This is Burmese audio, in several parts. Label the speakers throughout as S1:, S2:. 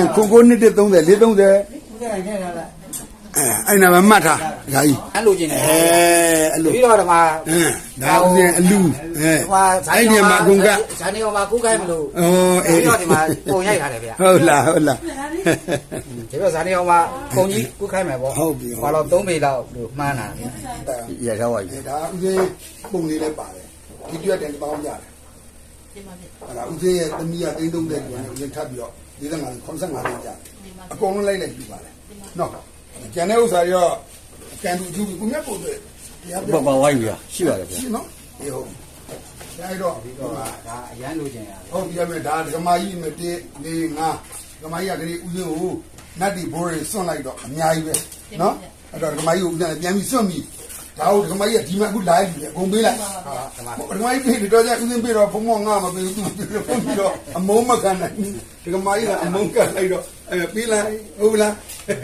S1: ကိုကိုနှစ်30 430အဲ့နာမမှတ်ထားဒါကြီး
S2: အဲ့လိုကျင်တယ်
S1: အဲ့လို
S2: ပြီးတော့ဒီမှာ
S1: ဒါဦးစင်အလူအဲ့ဒီမှာကုန်က
S2: ဇာနေအောင်မှာကူးခိုင်းမလို့
S1: ဩအေး
S2: ပြီးတော့ဒီမှာပုံရိုက်ထားတယ်ဗျာ
S1: ဟုတ်လား
S2: ဒီတော့ဇာနေအောင်မှာပုံကြီးကူးခိုင်းမယ်ပေါ့
S1: ဟုတ်ပြီ
S2: ဘာလို့3ပေလောက်လို့မှန်းတာရထားပါပြီ
S1: ဒါဦးစင်ပုံလေးလည်းပါတယ်ဒီကျွတ်တယ်ပေါင်းရတယ်အဲ့ဒါဦးစင်ရဲ့သမီးက330ကျော်နဲ့ဦးစင်ထပ်ပြီးတော့45 85ကျန်အကုန်လုံးလိုက်ယူပါတယ်နော်ကျန်တဲ့ဥစ္စာရောကန်တူကျူကိုမြတ်ကိုတွေ့
S3: ဘာဝိုင်းပြီလားရှိပါတယ်ဗျာ
S1: ရှိနော်အေးဟုတ်ဒါတော့ဒီတော့
S2: ဒါအရန်လိုချင်ရတယ်
S1: ဟုတ်ပြီမဲ့ဒါဓမ္မကြီးမတည်းနေငါဓမ္မကြီးကလေးဦးစင်းကိုနတ်တီဘိုးတွေစွန့်လိုက်တော့အများကြီးပဲနော်အဲ့တော့ဓမ္မကြီးကိုဦးစင်းပြန်ပြီးစွန့်ပြီးဒါဟုတ်ဓမ္မကြီးကဒီမှာအခုလာပြီအကုန်ပေးလိုက်ဓမ္မကြီးပေးတော့ကြဦးစင်းပေးတော့ဘုံမောငါမပေးဘူးသူပေးလို့ပြီးတော့အမုန်းမခံနိုင်ဓမ္မကြီးကအမုန်းကလိုက်တော့ပေးလိုက်ဟုတ်လား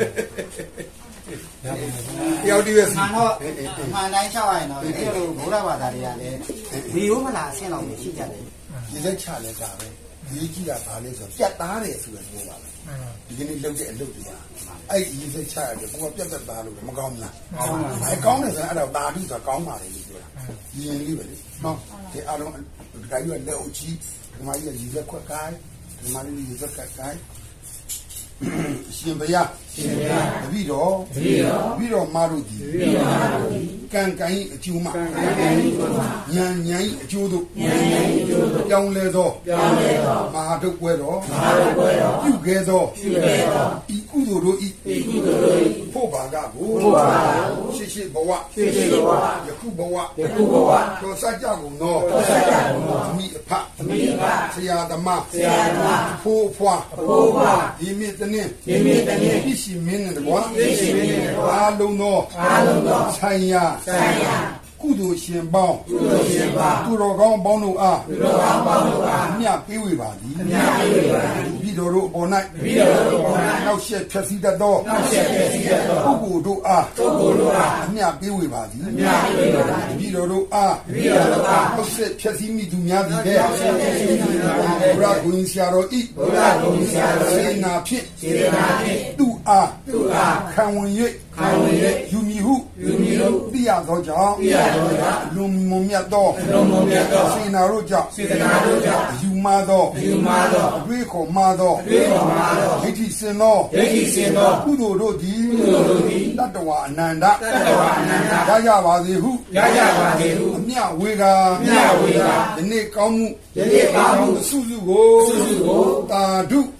S1: ရောက်ဒီပဲ
S2: မှန်တော့မှန်တိုင်းချောက်ရရင်တော့ဒီလိုဘုရားဘာသာတွေကလည်းဒီဟုတ်မလားအဆင့်လောက်ရှိကြတယ်
S1: ဒီလက်ချလဲတာပဲဒီကြည့်တာဗာလဲဆိုပြတ်သားတယ်ဆိုရပြောပါမယ်ဒီကနေ့လုပ်တဲ့အလုပ်တွေကအဲ့ဒီလက်ချရတယ်ဘုကပြတ်သက်သားလို့မကောင်းဘူးလားကောင်းတယ်ဆိုရင်အဲ့တော့တာတိဆိုကောင်းပါလေလို့ပြောတာရင်လေးပဲလေနော်ဒီအားလုံးဒီကကြီးကလက်အုပ်ကြီးဒီမကြီးကရေစက်ခွက်ကိုင်းဒီမလေးရေစက်ခွက်ကိုင်းရှင်ဘုရားတပည့်တော်မတို့ဒီကံကံအကျိုးမှဉာဏ်အကျိုးတို့ပြောင်းလဲသောမဟာဒုက္ခတော်ပြုခဲ့သောဤကုသိုလ်တို့ဤဖို့ဘာကကိုရှိဘဝယခုဘဝသောစัจ ကြကုန်သောအမိအဖဆရာသမားဖိုးဖွားဒီမြင့်တနည်းပြရှိမင်းနဲ့တကွာအားလုံးသောဆိုင်ရာကုသိုလ်ရှင်ပေါင်းသူတော်ကောင်းပေါင်းတို့အားမြတ်ပေးဝေပါသည်ပြီးတော်တို့အပေါ်၌နောက်ဆက်ဖြည့်စည်းတတ်သောပုဂ္ဂိုလ်တို့အားအမြတ်ပေးဝေပါသည်ပြီးတော်တို့အားနောက်ဆက်ဖြည့်စည်းမိသူများသည်တဲ့ဘုရားကိုဆရာတော်ဤစေနာဖြင့်သူအားခံဝင်၍ယူမီဟုသိရသောကြောင့်လုံမုံမြတ်သောစေနာတို့ကြောင့်ယူမသောအတွေ့ခေါ်မသောဒိဋ္ဌိစင်သောကုသိုလ်တို့သည်တတ္တဝအနန္တရကြပါစေဟုအမြဝေကာယနေ့ကောင်းမှုစုစုကိုတာဓု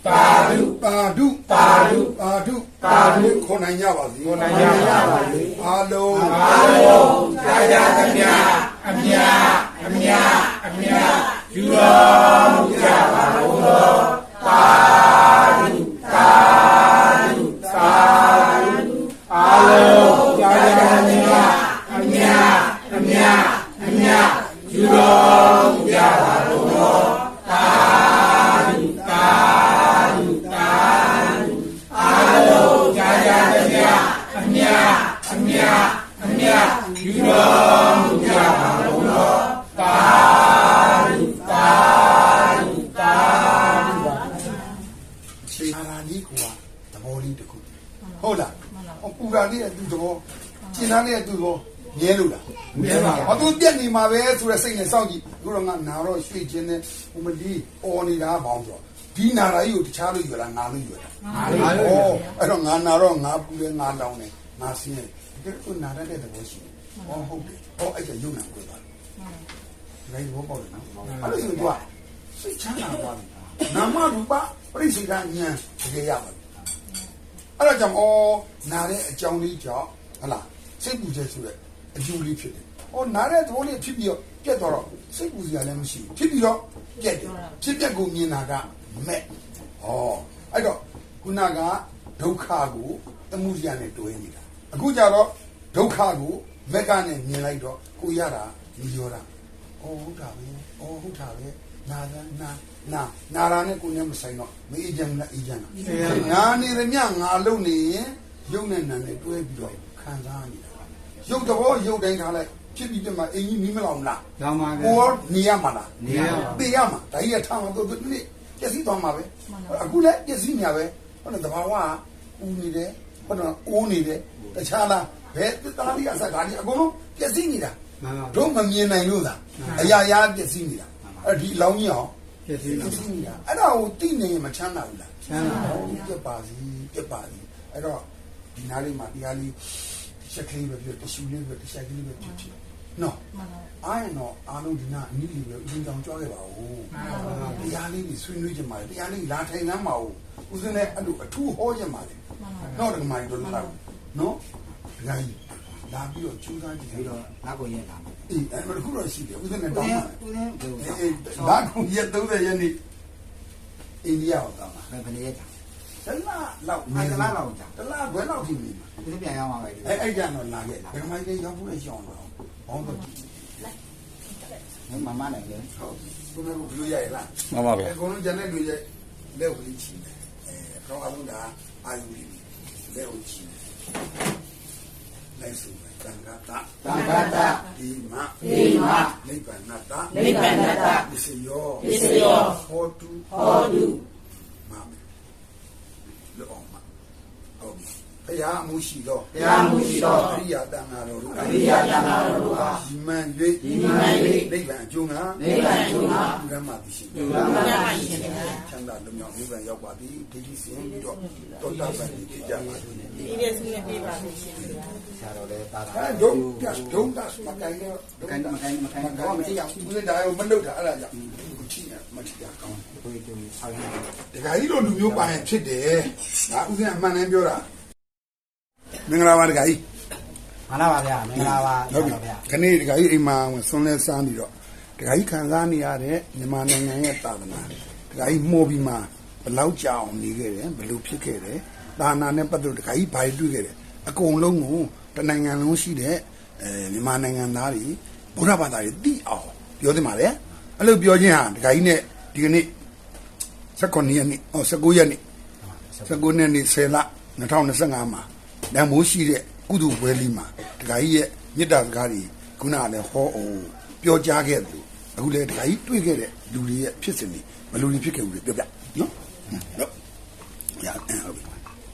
S1: ခေါ်နိုင်ကြပါစေအားလုံး
S3: ကြာသမျှအမြယူတော်မူကြပါလို့သာအားလုံးကြာသမျှအမြယူတော်မူကြပါလို့အားလုံးကြာသမျှအမြယူတော်မူကြပါလို့
S1: ခြေရာလေးကသဘောလေးတစ်ခုဟုတ်လားပူရာလေးကသူ့သဘောကျင်သားလေးကသူ့သဘောမြဲလို့လားမြဲပါဘာသူပြက်နေမှာပဲဆိုတဲ့စိတ်နဲ့စောင့်ကြည့်အခုတော့ငါနာတော့ရွှေ့ခြင်းနဲ့ဟိုမဒီအော်နေတာဘောင်းဆိုဒီနာရာကြီးကိုတခြားလို့ယူလာငါလို့ယူလာအဲ့တော့ငါနာတော့ငါပူတယ်ငါလောင်းတယ်ငါဆင်းတယ်ဒီကုနာရတဲ့သဘောရှိတယ်ဟုတ်တယ်အဲ့ကျရုံနာကိုသွားတယ်ဘောပေါက်တယ်နော်အဲ့လိုဆိုတော့စိတ်ချမ်းသာသွားတယ်နာမရူပပရိစ္ဆေဒဉာဏ်တကယ်ရပါတယ်အဲ့တော့ကြောင့်နာတဲ့အကြောင်းလေးကြောင့်ဟလားစိတ်ပူချက်ဆိုတဲ့အကျိုးလေးဖြစ်တယ်နာတဲ့သဘောလေးဖြစ်ပြီးတော့ပြတ်သွားတော့စိတ်ပူစရာလည်းမရှိဘူးဖြစ်ပြီးတော့ပြတ်တယ်ဖြစ်ပြက်ကိုမြင်တာကမဲ့အဲ့တော့ခုနကဒုက္ခကိုသမှုစရာနဲ့တွဲနေတာအခုကြတော့ဒုက္ခကိုမက်ကနဲ့မြင်လိုက်တော့ကိုရတာမရောတာဟုတ်တာပဲနာရာနဲ့ကိုနဲ့မဆိုင်တော့မအေးချမ်းလားအေးချမ်းလားနာနေရမြငါလုံနေရင်ရုပ်နဲ့နာနဲ့တွဲပြီးတော့ခံစားနေတာရုပ်တော့ရုပ်တိုင်းထားလိုက်ဖြစ်ပြီးတည်းမှာအင်းကြီးမီးမလောင်လား
S2: လောင်ပါပဲ
S1: ကိုနေရမှာလား
S2: နေရပါ
S1: သိရမှာဒါကြီးကထားမှာတို့နေ့ပြည့်စည်သွားမှာပဲအခုလည်းပြည့်စည်ညာပဲဟုတ်တယ်တဘာဝဦးနေတယ်ဟုတ်တယ်အိုးနေတယ်တခြားလားဘယ်သားလေးအစကားကြီးအကုန်လုံးပြည့်စည်နေတာတို့မမြင်နိုင်လို့သာအရာရာပြည့်စည်နေတာအဲ့ဒီလောင်းကြီးအောင်ပြည့်စည်နေတာအဲ့ဒါကိုသိနေရင်မချမ်းသာဘူးလားချမ်းသာတယ်ပြတ်ပါစီပြတ်ပါစီအဲ့တော့ဒီနားလေးမှာတရားလေးချက်ကလေးပဲပြတရှူလေးပဲတချက်ကလေးပဲဖြစ်နော်အားရတော့အားလုံးဒီနာအနည်းလေးပဲဦးစင်းကြောင်ကြွားခဲ့ပါဦးတရားလေးကြီးဆွေးနွေးကြမှာတရားလေးလာထိုင်နှမ်းပါဦးဦးစင်းလည်းအဲ့လိုအထူးဟောကြမှာလေတော့ဒီမှာတို့လာနော်ဒကာကြီးလာပြီးတော့ကျူးစားကြည့်
S2: ပြီးတော့နောက်ကိုရက်လာမှာ
S1: အေးအဲ့ဒါခုတော့ရှိတယ်ဦးစင်းနဲ့တောင်းပါ
S2: ဦးစင်းဘယ်လို
S1: အေးလာခုရက်30ရက်နေ့အိန္ဒိယကိုတောင်းပါ
S2: ဘယ်နေ့ကြာ
S1: တလားလောက်
S2: တလားလောက်ကြာ
S1: တလားဘယ်လောက်ထိနေမှာ
S2: ဦးစင်းပြန်ရောက်မှာပဲ
S1: အဲ့ကြတော့လာခဲ့ဒကာမကြီးရောက်ဖို့လည်းရှောင်းတော့ဘောင်းတော့
S2: မမနိုင်လေ
S1: ဟုတ်သူတို့ကလူရရလား
S3: မှန်ပါဗျာ
S1: အကုန်လုံးကျန်တဲ့လူရလက်ကိုချီတယ်တော့အလုံးကအာယူပြီးလက်ကိုချီတယ်လိုက်စုမယ်တန်ခါတာ
S2: တန်ခါတာ
S1: ဒီမ
S2: ဒီမ
S1: နိဗ္ဗာန်တာ
S2: နိဗ္ဗာန်တာ
S1: ပစ္စယော
S2: ပစ္စယော
S1: ဟောတု
S2: ဟောတု
S1: မမေလောအောင်မဟုတ်ပြီဘုရားအမှုရှိတော့
S2: တရားမှုရှိတော့
S1: အရိယာတန်ဃာတော်တို့
S2: အရိယတန်ခါတော်တို့ဟာ
S1: ဒီမှန်၍
S2: ဒီမှန်၍
S1: နိဗ္ဗာန်အကျိုးငါ
S2: နိဗ္ဗာန်အကျိုးငါ
S1: ဘုရားမှာသိရှိ
S2: ဘုရားမှာသိရှိ
S1: ချမ်းသာလွတ်မြောက်နိဗ္ဗာန်ရောက်ပါသည်ဒိဋ္ဌိစင်ပြီးတော့တောတာပန်ဖြစ်ကြပါသည်
S4: ဒီရက်စုနဲ့ပြေးပါလိမ့်ရှင်ဗျာ
S2: ဆရာတော်လည်းတာတာ
S1: အဲဒုံပြဒုံတာမကိုင်းတော့
S2: မကန်တော့မကြည့်ရဘူး
S1: ဦးဇင်းဒါရောမလုပ်တာအဲ့ဒါကြောင့်ကိုကြည့်ရမကြည့်ရကောင်း
S2: ကိုယ်တူဆောက်ရအောင်
S1: ဒကာကြီးတို့လူမျိုးပါရင်ဖြစ်တယ်ဒါဦးဇင်းအမှန်တမ်းပြောတာမင်္ဂလာပါဒကာကြီး
S2: မှန်ပါဗျာမင်္ဂလာပါ
S1: ဟုတ်ပြီ
S2: ဗျာ
S1: ခနေ့ဒကာကြီးအိမ်မှာဆွန်လဲစားပြီးတော့ဒကာကြီးခံစားနေရတဲ့မြန်မာနိုင်ငံရဲ့တာသနာဒကာကြီးမှုပြီးမှဘယ်လောက်ကြာအောင်နေခဲ့တယ်ဘယ်လိုဖြစ်ခဲ့တယ်တာနာနဲ့ပတ်သက်ဒကာကြီးဘာတွေတွေ့ခဲ့တယ်အကုန်လုံးကိုတနိုင်ငံလုံးရှိတဲ့မြန်မာနိုင်ငံသားတွေဗုဒ္ဓဘာသာတွေသိအောင်ပြောသင့်ပါတယ်အဲ့လိုပြောခြင်းဟာဒကာကြီးနဲ့ဒီကနေ့19ရက်နေ့19ရက်နေ့19ရက်နေ့10လ2025မှာတန်မိုးရှိတဲ့ကုသိုလ်ပွဲလေးမှာဒကာကြီးရဲ့မေတ္တာစကားတွေခုနကလည်းဟောအောင်ပြောကြားခဲ့တယ်အခုလည်းဒကာကြီးတွေ့ခဲ့တဲ့လူတွေရဲ့ဖြစ်စဉ်တွေဘယ်လိုတွေဖြစ်ခဲ့ဦးလဲပြောပြနော်ဟုတ်ရဟုတ်ပြီ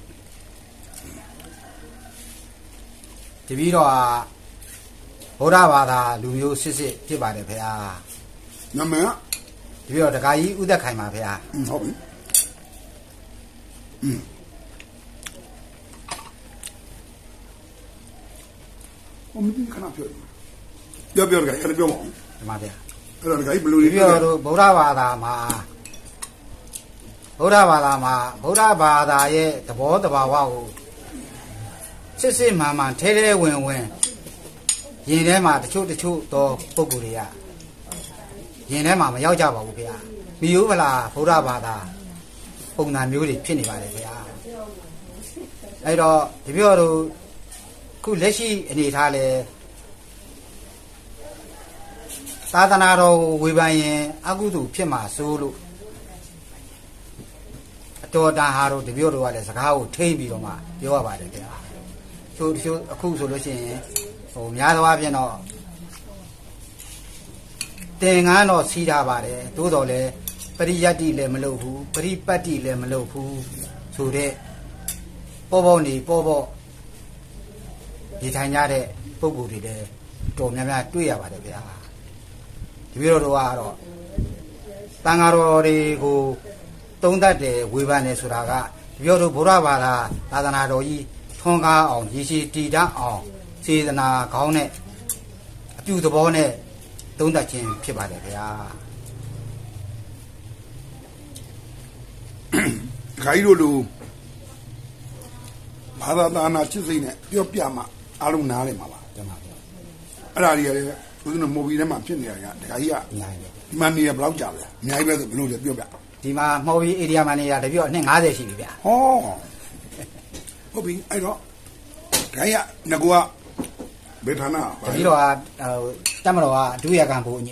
S2: တပီတော့ဗုဒ္ဓဘာသာလူမျိုးစစ်စစ်ဖြစ်ပါတယ်ဖေဟာ
S1: နမန်
S2: တပီတော့ဒကာကြီးဥသက်ခိုင်ပါဖေဟာ
S1: ဟုတ်ပြီ我们看那票，标的，看那标嘛，
S2: ဒီမှာဗျာ
S1: အဲ့တော့ဒကာကြီးဘယ်လို
S2: တ
S1: တွေ
S2: ပီတော့တို့ဗုဒ္ဓဘာသာမှာဗုဒ္ဓဘာသာရဲ့သဘောတဘာဝကိုစစ်စစ်မှန်မှန်ထဲထဲဝင်ဝင်ရင်ထဲမှာတချို့သောပုံကိုယ်တွေကရင်ထဲမှာမရောက်ကြပါဘူးဖေဟာမိယိုးမလားဗုဒ္ဓဘာသာပုံစံမျိုးတွေဖြစ်နေပါတယ်ဖေဟာအဲ့တော့တပီတော့ခုလက်ရှိအနေထားလဲသာသနာတော်ဝေဖန်ရင်အကုသိုလ်ဖြစ်မှာစိုးလို့အတော်တန်ဟာတို့တပည့်တော်ကလည်းစကားကိုထိမ့်ပြီးတော့မှပြောရပါတယ်ဗျာချို့အခုဆိုလို့ရှိရင်ဟိုများသောအားဖြင့်တော့တင်ငန်းတော့စီးထားပါတယ်သို့တော်လည်းပရိယတ္တိလည်းမလုပ်ဘူးပရိပတ်တိလည်းမလုပ်ဘူးဆိုတဲ့ပေါ့ဒီထိုင်ကြတဲ့ပုံကိုယ်တွေလည်းတော်များများတွေ့ရပါတယ်ဗျာဒီလိုတော့ကတော့တန်ဃာတော်တွေကိုသုံးသပ်တယ်ဝေဖန်တယ်ဆိုတာကဒီလိုတော့ဗုဒ္ဓဘာသာသာသနာတော်ကြီးထွန်းကားအောင်ရည်ရှိတည်တတ်အောင်စေတနာကောင်းတဲ့အပြုသဘောနဲ့သုံးသပ်ခြင်းဖြစ်ပါတယ်ဗျာ
S1: ဒကာကြီးတို့လူဘာသာသာနာချစ်စိတ်နဲ့ပြောပြမှအားလုံးနားလည်မှာပါ
S2: ကျွန်တော်ပြော
S1: အဲ့ဒါတွေကလည်းဦးဇင်းတို့မိုဘီထဲမှာဖြစ်နေတာကဒကာကြီးက
S2: နိုင်တယ်
S1: ဒီမှာနေရဘယ်လောက်ကြာလဲအများကြီးပဲဆိုဘယ်လိုလဲပြောပြ
S2: ဒီမှာမှော်ပြီးဧရိယာမှာနေတာတပြည့်အနှစ်50ရှိပြီဗျာ
S1: ဟောဟုတ်ပြီအဲ့တော့ဒကာကြီးကငါကဘယ်ဌာန
S2: တပြည့်တော့တက်မတော်ကအတူရကံဖို့